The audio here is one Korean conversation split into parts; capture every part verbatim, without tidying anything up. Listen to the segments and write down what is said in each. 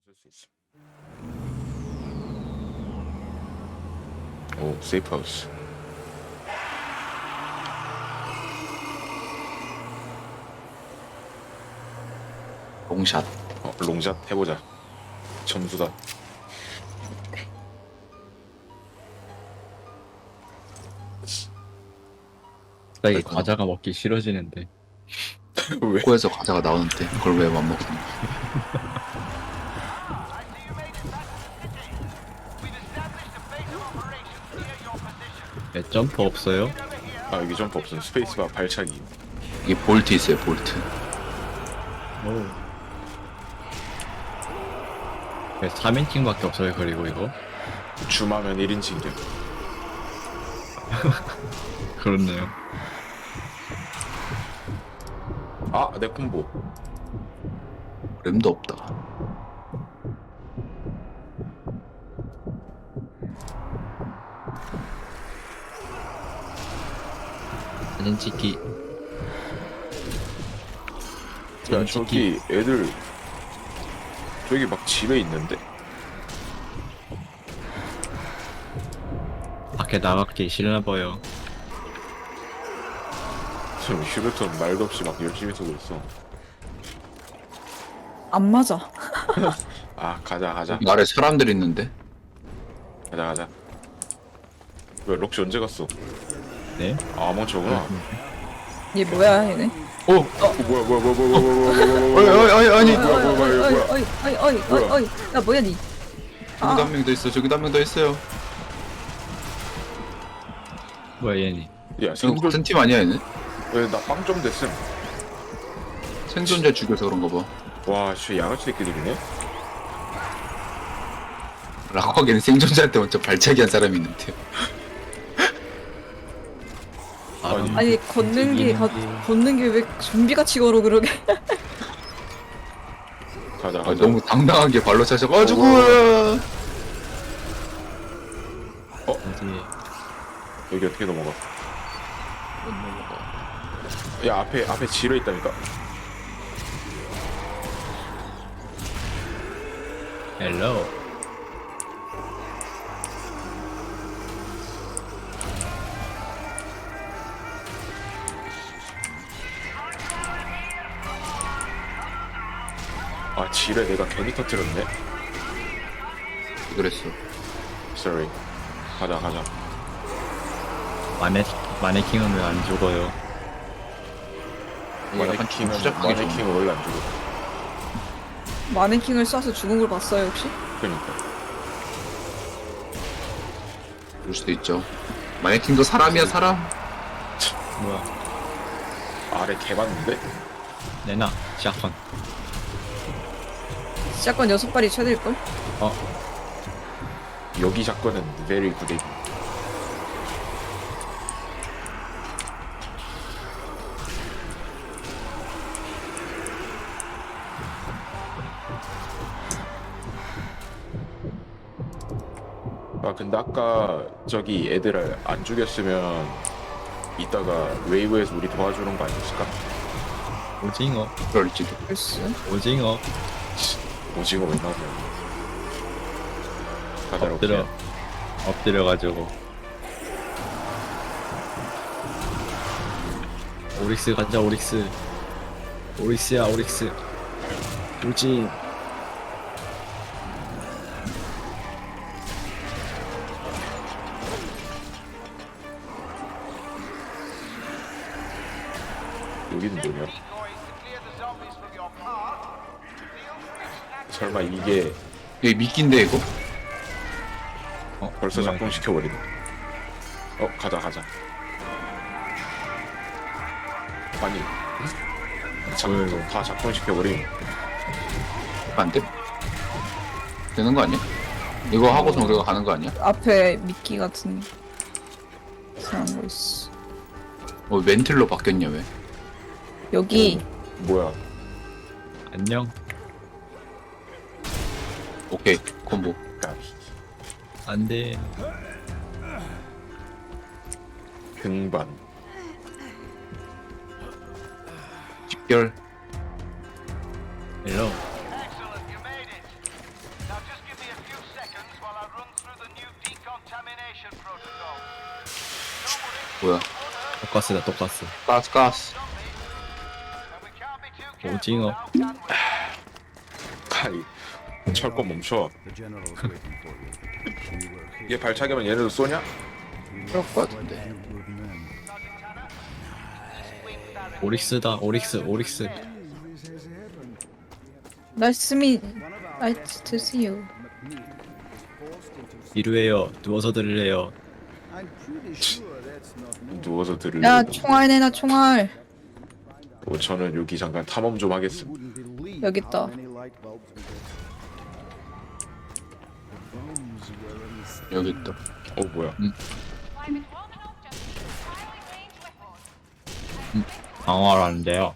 쓸 수 있어. 오, 세이프 하우스. 롱샷. 어, 롱샷 해보자. 점수다. 갑자기 과자가 먹기 싫어지는데. 왜? 코에서 과자가 나오는데 그걸 왜 안 먹었니? 네, 점프 없어요? 아, 여기 점프 없음. 스페이스바 발차기. 이게 볼트 있어요, 볼트. 오. 네, 삼 인칭밖에 없어요. 그리고 이거 줌하면 일 인칭 돼. 그렇네요. 아, 내 콤보. 램도 없다. 사진 찍기. 야, 저기 애들 저기 막 집에 있는데? 밖에 나가기 싫나 봐요. 저 휴대폰 말도 없이 막 열심히 쓰고 있어. 안 맞아. 아, 가자 가자 여기 아래 사람들 있는데. 가자 가자. 왜 럭시 언제 갔어? 네? 아, 멍청구나. 얘 뭐야 얘네? 오! 어, 뭐야 뭐야 뭐야 뭐야 뭐야 뭐야 뭐야 어이 어이 어이 아니. 뭐야, 뭐야, 뭐야, 어이 뭐야. 어이 어이 어이 어이 뭐야? 어이 야 뭐야 니? 저기도 아. 한 명 더 있어. 저기도 한 명 더 있어요. 뭐야 얘니? 야, 지금 생존 같은 팀 아니야 얘는? 왜나 빵 좀 됐음. 생존자 죽여서 그런가 봐. 와, 씨, 양아치 새끼들이네. 라고 하기에는 생존자한테 먼저 발차기 한 사람이 있는데요. 아니, 아니 걷는 게 가, 걷는 게 왜 좀비같이 걸어 그러게? 가자 아, 가자. 너무 당당하게 발로 차셔가지고. 어디? 여기 어떻게 넘어가? 못 넘어가. 야, 앞에 앞에 지뢰 있다니까. 헬로. 아, 지뢰 내가 괜히 터뜨렸네. 그랬어. Sorry. 가자 가자. 마네 마네킹은 왜 안 죽어요? 이게 약간 마네킹은 추적하기 좋은. 마네킹은 원래 안 죽어. 마네킹을 쏴서 죽은 걸 봤어요 혹시? 그러니까. 그럴 수도 있죠. 마네킹도 사람이야 사람. 뭐야? 아래 개 많은데? 내나 샷건. 시작권 여섯 발이 최대일 걸? 어? 여기 사건은 very good. 아, 근데 아까 저기 애들을 안 죽였으면 이따가 웨이브에서 우리 도와주는 거 아니었을까? 오징어. 그럴지도. 글쎄. 오징어. 오징어 왜 나오냐. 가자, 엎드려. 럭키야. 엎드려가지고. 오릭스 가자 오릭스. 오릭스야 오릭스. 우진. 여기는 뭐냐? 설마 이게 여기 미끼인데 이거? 어, 벌써 뭐야, 작동시켜버리네. 어, 가자 가자. 아니, 작동, 왜? 다 작동시켜버림. 안 돼? 되는 거 아니야? 이거 하고서 우리가 가는 거 아니야? 앞에 미끼 같은 이상한 거 있어. 어 멘틀로 바뀌었냐 왜? 여기 뭐야? 안녕. 오케이 콤보. 야, 안돼. 등반. 집결. 헬로. just give me a few seconds while I run through the new decontamination protocol. 뭐야? 똑같스다 똑같스. 가스 가스. And we can't be too careful 오징어. now, can we? 아이 철권 멈춰. 얘 발차기면 얘네도 쏘냐? 그럴 것 같은데. 오릭스다 오릭스 오릭스. Nice to meet. Nice to see you. 이루에요. 누워서 들으래요. 누워서 들으려고. 야 총알 내놔 총알. 뭐 저는 여기 잠깐 탐험 좀 하겠습니다. 여기 있다. 여기 있다. 어 뭐야? 방어하라는데요.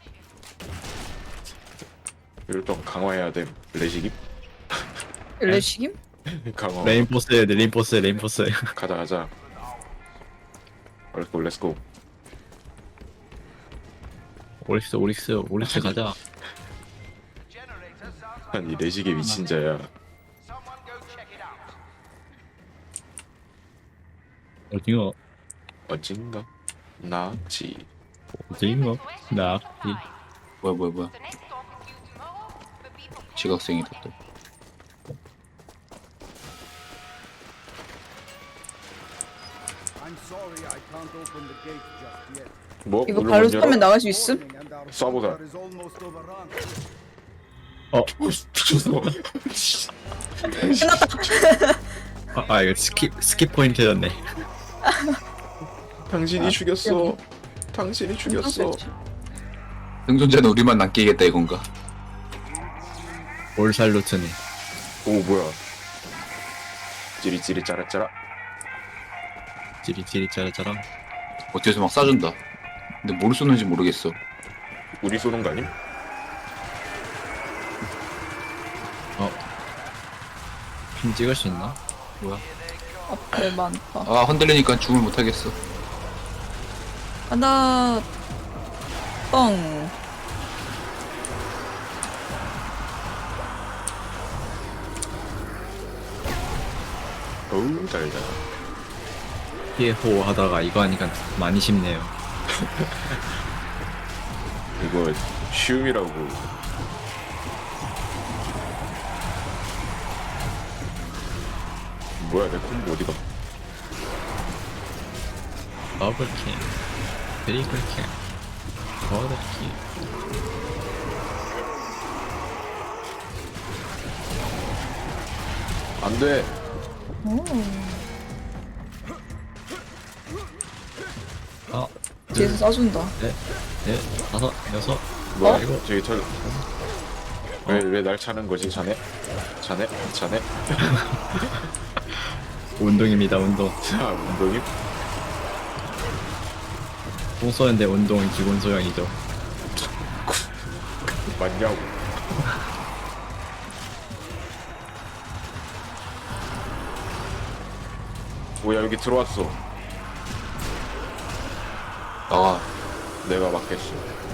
이럴 땐 강화해야 돼. 레시기? 일레시김? 강화. 레인포스 해야 돼 레인포스 레인포스. 가자 가자. 렛츠고 렛츠고. 오릭스 오릭스 오릭스 가자. Generator sounds like 아니 레시기 미친 자야. someone go check it out. 오징어 어딘가? 나지. 오징어 나 이. 뭐야 뭐야 뭐야. 지각생이다 또. 뭐? 이거 문을 발로 못 열어? 쏘면 나갈 수 있음? 쏴보자. 어 미쳤어. 아, 아 이거 스킵 스킵 포인트였네. 당신이 죽였어. 당신이 죽였어. 생존자는 우리만 남기겠다 이건가? 올살루트네. 오 뭐야? 찌릿찌릿 짜라짜라. 찌릿찌릿 짜라짜라. 어째서 막 쏴준다. 근데 뭘 쏘는지 모르겠어. 우리 쏘는 거 아님? 핀 찍을 수 있나? 뭐야? 앞에 많다. 아 흔들리니까 줌을 못하겠어. 하나 뻥. 어우 달다. 피해호 하다가 이거 하니까 많이 쉽네요. 이거 쉬움이라고. 뭐야 내 콤보 어디가? 더블킬, 트리플킬, 쿼드킬. 안돼. 오. 아, 뒤에서 쏴준다. 넷, 넷, 다섯, 여섯. 뭐야 어? 이거 저기 털. 왜왜 날 차는 거지 자네? 자네? 자네? 운동입니다, 운동. 자 운동이? 똥 쏘는데 운동은 기본 소양이죠. 맞냐고. 뭐야 여기 들어왔어. 나와. 내가 막겠어.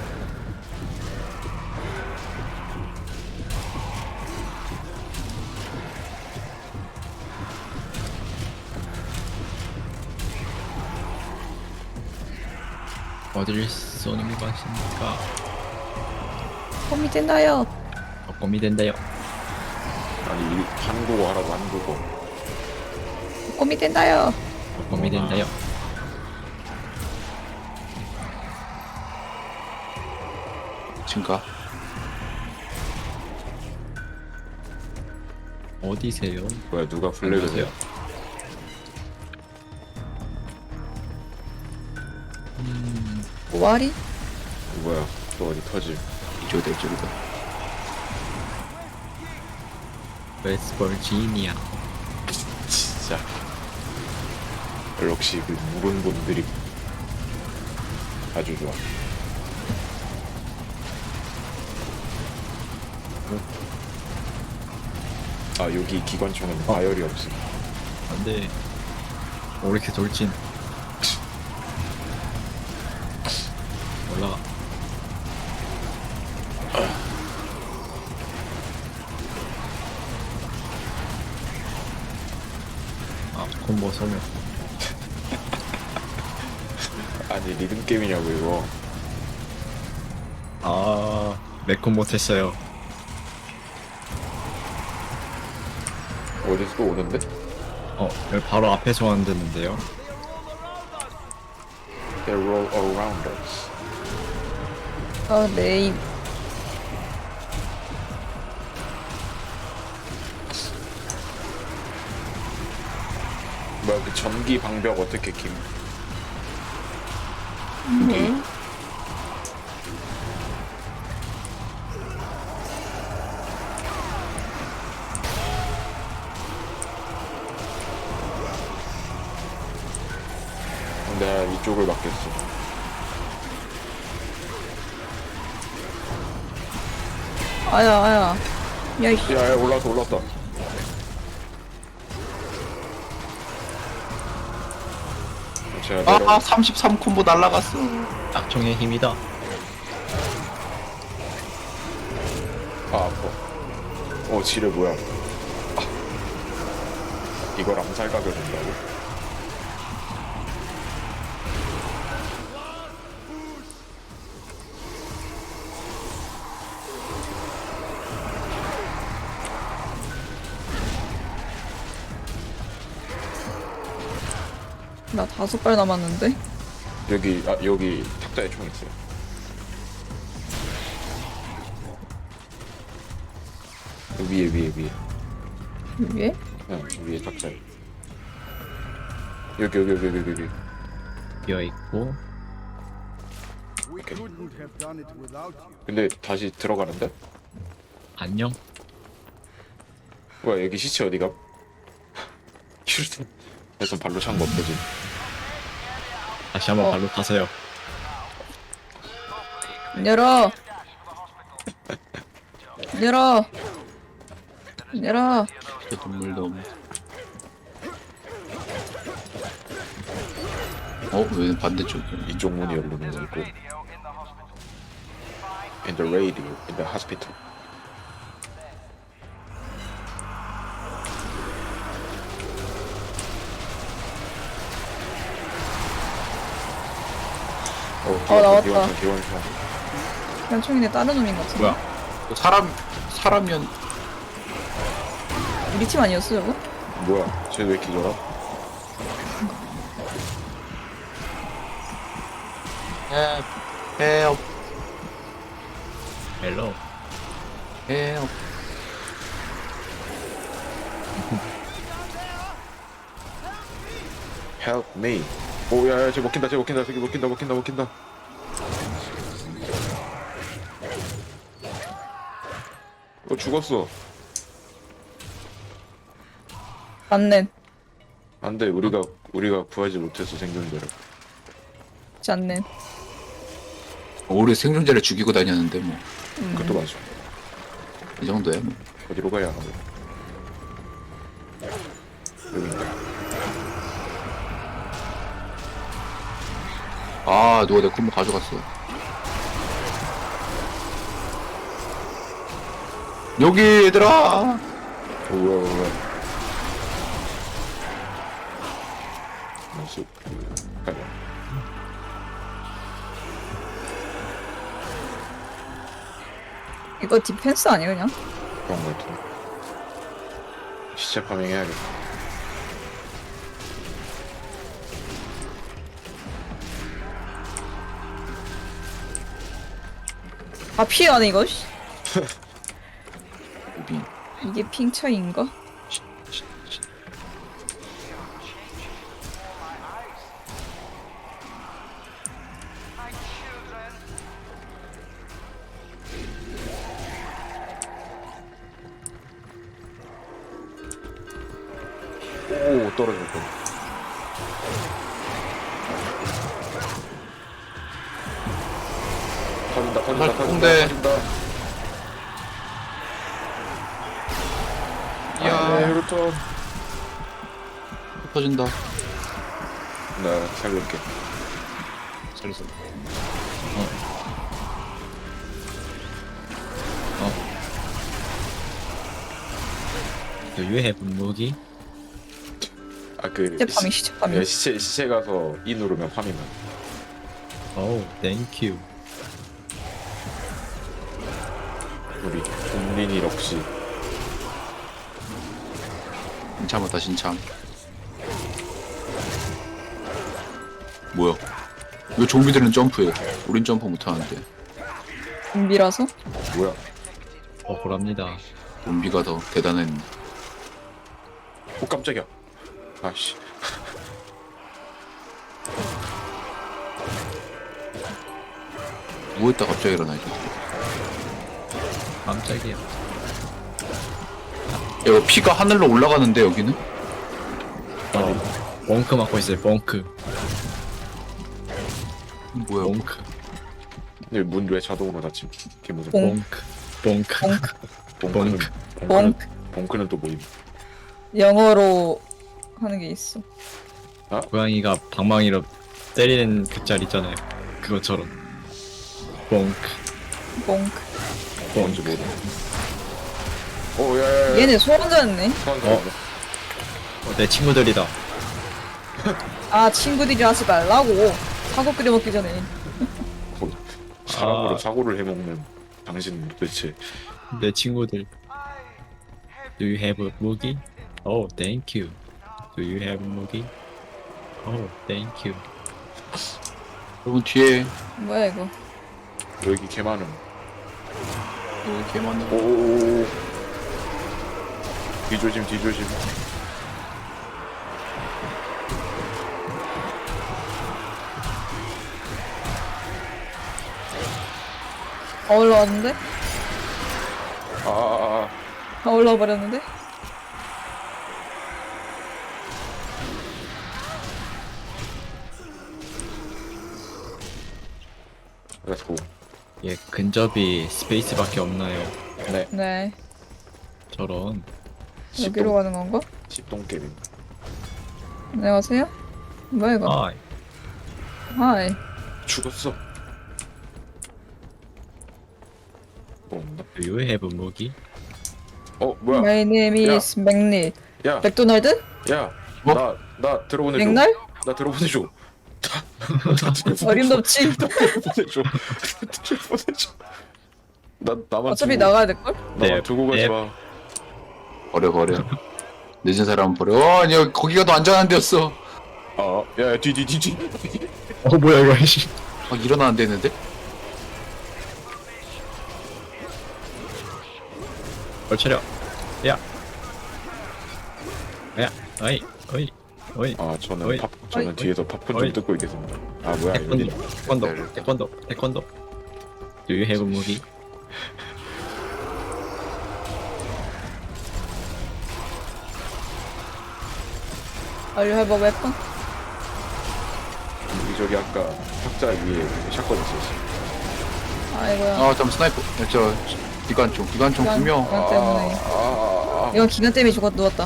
어디를 쏘는 게 맛입니까? 홈이 된다요. 덕검이 된다요. 아니 이- 한국어 하라고 한국어. 홈이 된다요. 덕검이 된다요. 지금가. 어디세요? 뭐야 누가 플래그세요? 안녕하세요. 오아리? 뭐야 또 어디 터지? 이쪽이다 이쪽이다. 웨스버지니아. 진짜 역시 그 물은 분들이 아주 좋아. 아 여기 기관총은 과열이 없음. 안돼. 오릭스 돌진. 올라가. 콤보 소멸. 아니 리듬 게임이냐고 이거. 아, 메콤 못했어요. 어디서 또 오는데? 어, 여기 바로 앞에서 왔는데요. They roll around us. 아, 네임. 뭐야 그 전기 방벽 어떻게 김? 음. 내가 이쪽을 맡겠어. 아야, 아야. 야, 이씨. 야야 올라왔다 올라왔다. 제가 내려. 아 삼십삼 콤보 날라갔어. 악청의 힘이다. 아 아파. 어 지뢰 뭐야? 아. 이걸 암살 각을 준다고? 나 다섯 발 남았는데? 여기 아 여기 탁자에 총 있어요. 여기 위에 위에 위에. 위에? 응 위에 탁자에. 여기 여기 여기 여기 여기. 비어있고. We couldn't have done it without you. 근데 다시 들어가는데? 안녕? 뭐야 여기 시체 어디가? 휴ton 일단 발로 찬 거 없어지. 다시 한번 어. 발로 타세요. 열어! 열어! 열어! 저 동물도 없네. 어? 왜 반대쪽이야? 이쪽 문이 열리는 거 있고. In the radio, in the hospital. 어, 어, 나왔다. 기원총, 기원총. 그냥 총이네 다른 놈인 것 같은데. 뭐야? 그 사람 사람이었. 우리 팀 아니었어, 저거? 뭐야? 쟤 왜 기절함? 헬, 헬, 헬로. 헬. Help me. 오, 야, 야, 쟤 먹힌다, 쟤 먹힌다, 저기 먹힌다, 먹힌다, 먹힌다. 어, 죽었어. 맞네. 안 돼, 우리가, 우리가 구하지 못해서 생존자를. 그렇지 않네. 우리 생존자를 죽이고 다녔는데 뭐 이 그것도 맞아. 정도야 뭐. 어디로 가야 하고. 여기인가? 아 누가 내 콤보 가져갔어. 여기 얘들아. 오, 뭐야, 뭐야. 나이스. 가자. 이거 디펜스 아니야, 그냥? 그런 거 같아. 시체 파밍해야겠다. 아, 피해가네, 이거. 씨. 무빙. 이게 핑처인가? 오, 떨어졌다. 터진다, 터진다, 터진다, 홍대. 터진다. 이야. 아, 네, 유로톤. 터진다. 나 살릴게. 살렸어. Do you have 무기? 아그 시체 파밍 시체 파밍. 시체 시체 가서 이 누르면 파밍은. 오 땡큐. 우리 국민이 역시 신참하다 신참. 뭐야? 왜 좀비들은 점프해? 우린 점프 못하는데. 좀비라서? 뭐야? 억울합니다. 좀비가 더 대단한. 오 깜짝이야. 아씨. 누워있다 갑자기 일어나 이제. 깜짝이야. 야, 이거 피가 하늘로 올라가는데 여기는? 어. 벙크 맞고 있어요. 벙크. 뭐야? 벙크. 근데 문 왜 자동으로 닫힘? 걔 무슨 봉. 벙크. 벙크. 봉크는 봉크. 봉크는 봉크. 봉크는 또 뭐임? 영어로 하는 게 있어. 고양이가 방망이로 때리는 그 짤 있잖아요. 그것처럼. 벙크. 뽕크. 뭔지 모르. 오 야야야. 얘네 소환자였네. 소환자. 어. 어, 내 친구들이다. 아 친구들이 하지 말라고. 사고 끓여 먹기 전에. 사람으로 아. 사고를 해먹는 당신 도대체. 내 친구들. Do you have a 무기? Oh, thank you. Do you have a 무기? Oh, thank you. 여러분 뒤에 뭐야 이거? 여기 개 많음. 여기 개 많네. 오오오. 뒤조심 뒤조심. 다 올라왔는데? 아아아. 아, 아. 다 올라와 버렸는데? Let's go. 예, 근접이 스페이스밖에 없나요? 네. 네. 저런. 여기로 가는 건가? 십동 게임. 안녕하세요? 뭐야 이거? 아, 하이. 죽었어. 뭐 없나? Do you have a 무기? 어 뭐야? My name is 맥리. 야, 맥도날드? 야, 뭐? 나, 나 들어보내줘. 맥날? 나 들어보내줘. 나 들어보내줘. 어림도 없지. 들어보내줘. 들어보내줘. 나 나만 어차피 두고, 나가야 될걸? 나만 네, 두고 가지 네. 마. 버려 버려. 늦은 사람 버려. 어, 아니 거기가 더 안전한 데였어. 아, 야, 뒤, 뒤, 뒤, 뒤. 어, 뭐야, 이거, 씨. 아, 일어나 안 되는데? 얼 차려. 야. 야, 어이, 어이, 어이. 아, 저는 어이. 팝, 저는 어이. 뒤에서 팝콘 어이. 좀 뜯고 있겠습니다. 아, 뭐야, 여기. 태권도, 태권도, 태권도, 태권도. Do you have a 무기? Are you have a weapon? 여기 저기 아까 탁자 위에 샷건 있었어. 아이고야. 아, 잠 스나이퍼. 야, 저 기관총, 기관총 두 명. 기간 때문에. 아, 아, 아. 이건 기간 때문에 죽었 누웠다.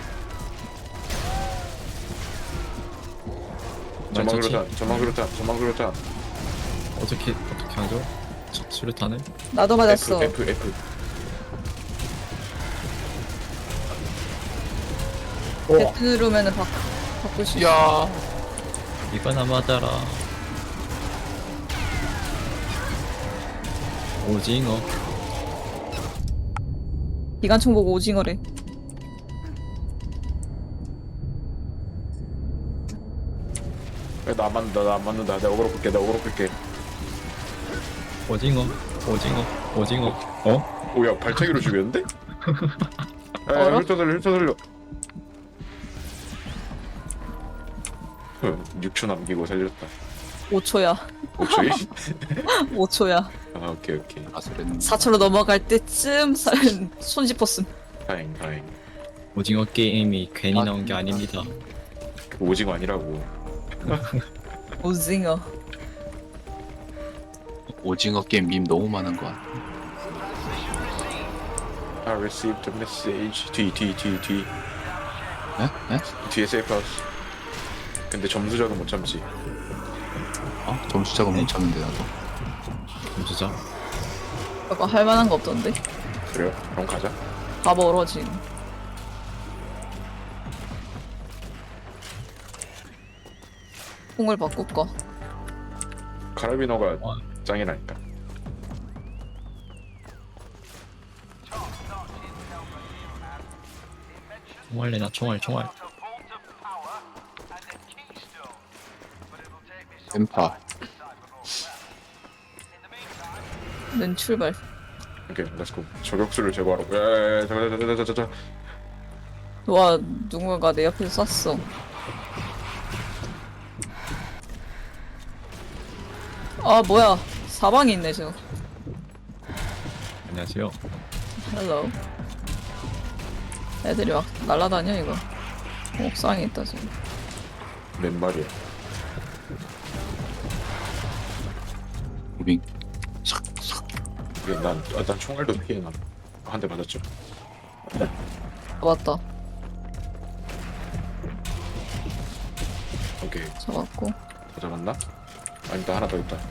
전망 말처치? 그렇다, 전망 그렇다, 전망 그렇다. 어떻게, 어떻게 하죠? 수- 수류탄을? 나도 맞았어. F, F, F. 배트 누르면은 바, 바꿀 수 있어. 야, 이거나 맞아라. 오징어. 기관총 보고 오징어래. 야, 나안 맞는다, 나안 맞는다. 내가 어그로 끌게, 내가 어그로 끌게. 오징어. 오징어. 오징어. 어? 오, 야, 발차기로 죽였는데? 야, 야, 어라? 훑어 돌려, 훑어 돌려. 육 초 남기고 살렸다. 오 초야. 오 초이? 오 초야. 아, 오케이, 오케이. 아슬은. 사 초로 넘어갈 때쯤 살, 손 짚었음. 다행, 다행. 오징어 게임이 괜히 아. 나온 게 아닙니다. 오징어 아니라고. 오징어. 오징어 게임 밈 너무 많은 거 같아. I received a message. 뒤, 뒤, 뒤, 뒤. 에? 에? 뒤에 세이프하우스. 근데 점수작은 못 참지. 어? 점수 작업 못 찾는데 나도. 점수자. 아까 할 만한 거 없던데. 그래요? 그럼 가자. 다 멀어 지금. 총을 바꿀까? 카라비너가 어. 짱이라니까. 총알래 나 총알 총알. A vault of power and a keystone. But it'll take me some 뱀파. time to decipher both of them. In the meantime, 는 출발. 오케이, 렛츠고. 저격수를 제거하러. 야야야, 잠깐, 잠깐, 잠깐, 잠깐. 와 누군가가 내 옆에서 쐈어. 아 뭐야 사방에 있네 저. 안녕하세요. 헬로. 애들이 막 날라다녀 이거. 옥상에 있다 지금. 몇 마리야? 무빙. 이게 난, 아, 난 총알도 피해 난. 한 대 맞았죠. 잡았다. 오케이, 잡았고. 더 잡았나? 아니다, 하나 더 있다.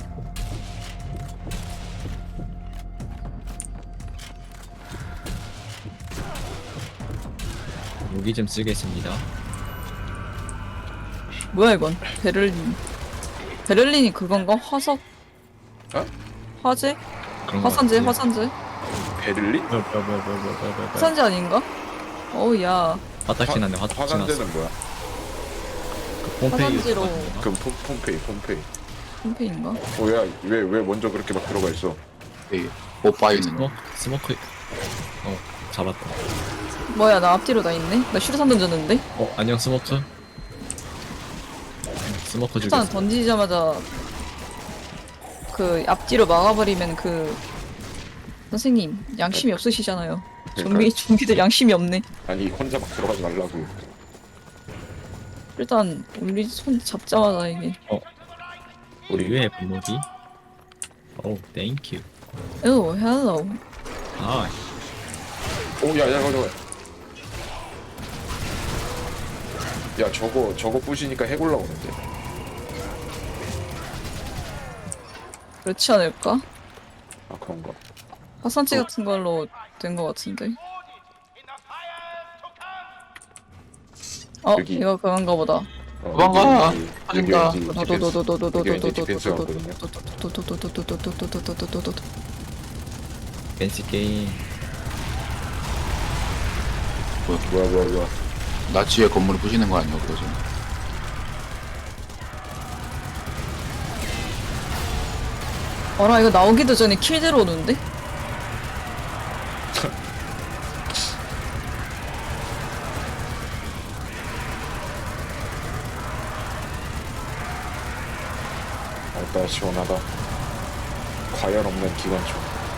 무기 좀 쓰겠습니다. 뭐야 이건? 베를린. 베를린이 그건가? 화석? 어? 화재? 그런 거 화산재? 같아요. 화산재? 베를린? 뭐, 뭐, 뭐, 뭐, 뭐, 뭐, 뭐, 뭐. 화산재 아닌가? 어우 야. 화딱지 났네. 화딱지 났어. 화산재는 뭐야? 그 폼페이 화산지로. 그 폼, 폼페이, 폼페이. 홈페인가? 어, 야, 왜, 왜 먼저 그렇게 막 들어가 있어? 네. 오빠 있는 거. 어? 스모크. 어 잡았다. 뭐야 나 앞뒤로 다 있네? 나 슈르산 던졌는데? 어 안녕 스모크. 스모크 슈르산 죽였어. 던지자마자 그 앞뒤로 막아버리면 그 선생님 양심이 없으시잖아요. 좀비 좀비들 양심이 없네. 아니, 혼자 막 들어가지 말라고. 일단 우리 손 잡자마자 이게 우리 우리의 분무기. 오 땡큐. 오 헬로. 아 오, 야, 야, 저거. 야, 저거, 저거 부시니까 해골 나오는데. 그렇지 않을까? 아, 그런가. 화산재 같은 걸로 된 거 같은데. 어 여기. 이거 그건가 보다. 어, 도망가! 여기, 여기 터진다. 왠지 디펜스- 여기 왠지 디펜스가 없거든요. 댄스 게임. 뭐야, 뭐야, 뭐야. 나치의 건물을 부시는 거 아니야, 그러죠? 어라 이거 나오기도 전에 킬 들어오는데? 알다, 시원하다. 과열 없는 기관총.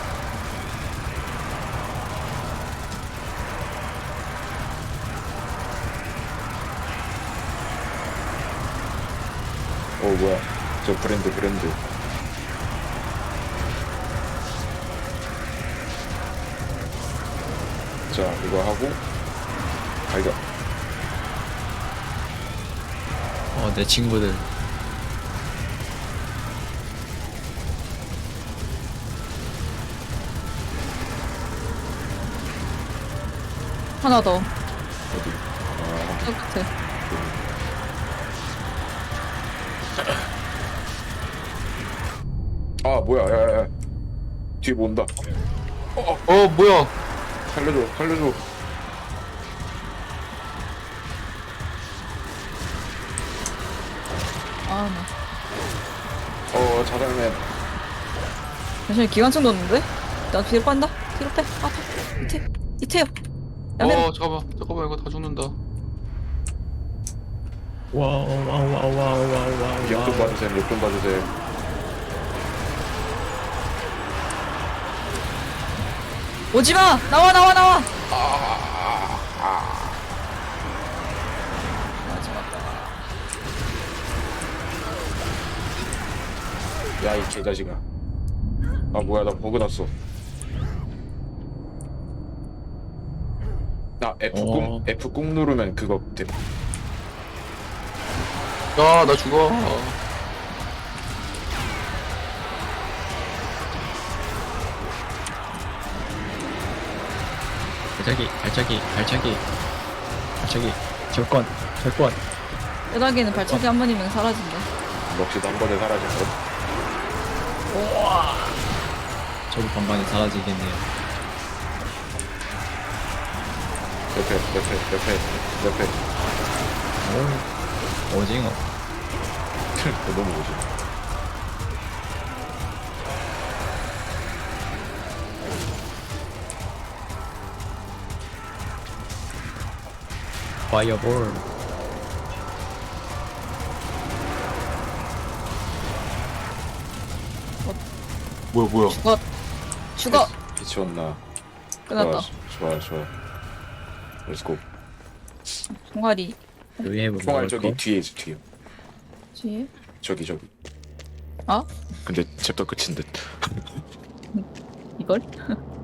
오, 뭐야. 저 브랜드, 브랜드. 자, 이거 하고, 발견. 어내 친구들. 하나 더. 어디? 아, 저 끝에. 아, 뭐야, 야, 야, 야. 뒤에 뭐 온다. 어, 뭐야? 살려줘, 살려줘. 아 나. 어, 자살맨. 잠시만 기관총 넣었는데? 나 뒤로 빤다? 뒤로 빼. 아 밑에. 밑에요. 야매. 어, 잠깐만. 잠깐만, 이거 다 죽는다. 와우 와우 와우 와우 와우 와우. 역좀 봐주세요, 역좀 봐주세요. 오지마! 나와 나와 나와! 야, 이 개자식아. 아, 뭐야, 나 버그 났어. 나 F 꾹, 어. F 꾹 누르면 그거 됨. 야, 나 죽어. 발차기 발차기 발차기 발차기 절권 절권. 뼈다귀는 발차기 한 번이면 사라진다. 럭시도 한 번에 사라진 것. 저도 반반이 사라지겠네요. 옆에 옆에 옆에 옆에. 오, 오징어. 너무 오지. 파이어볼. 뭐야 뭐야. 죽어. 죽어. 빛이 왔나? 끝났다. 좋아 좋아. 렛츠고. 종아리. Do you have 총알 먹을 저기 거? 뒤에 있어 뒤에. 뒤에. 저기 저기. 아? 근데 챕터 끝인 듯. 이걸?